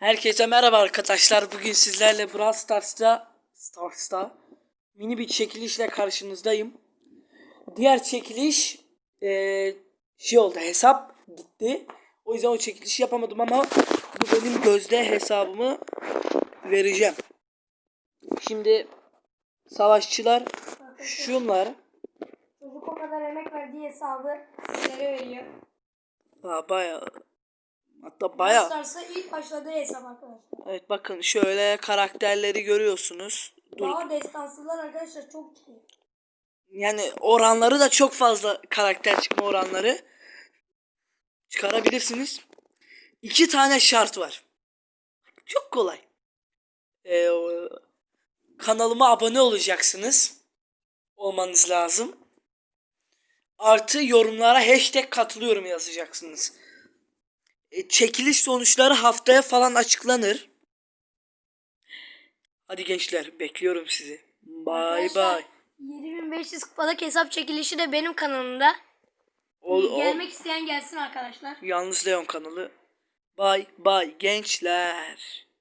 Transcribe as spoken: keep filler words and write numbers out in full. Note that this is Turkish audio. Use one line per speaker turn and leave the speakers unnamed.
Herkese merhaba arkadaşlar. Bugün sizlerle Brawl Stars'ta Stars'ta mini bir çekilişle karşınızdayım. Diğer çekiliş ee, şey oldu, hesap gitti. O yüzden o çekilişi yapamadım ama bu benim gözde hesabımı vereceğim. Şimdi savaşçılar şunlar.
Çocuk o kadar emek verdiği hesabı sizlere veriyor.
Aa, bayağı hatta bayağı.
Stars'a ilk başladığı hesap arkadaşlar.
Evet, bakın şöyle karakterleri görüyorsunuz. Dur.
Daha destansılar arkadaşlar çok çıkıyor.
Yani oranları da çok fazla, karakter çıkma oranları çıkarabilirsiniz. İki tane şart var. Çok kolay. Ee, kanalıma abone olacaksınız. Olmanız lazım. Artı yorumlara hashtag katılıyorum yazacaksınız. E, çekiliş sonuçları haftaya falan açıklanır. Hadi gençler, bekliyorum sizi. Bye bye.
yedi bin beş yüz kupalık hesap çekilişi de benim kanalımda.
Ol, ol.
Gelmek isteyen gelsin arkadaşlar.
Yalnız Leon kanalı. Bye bye gençler.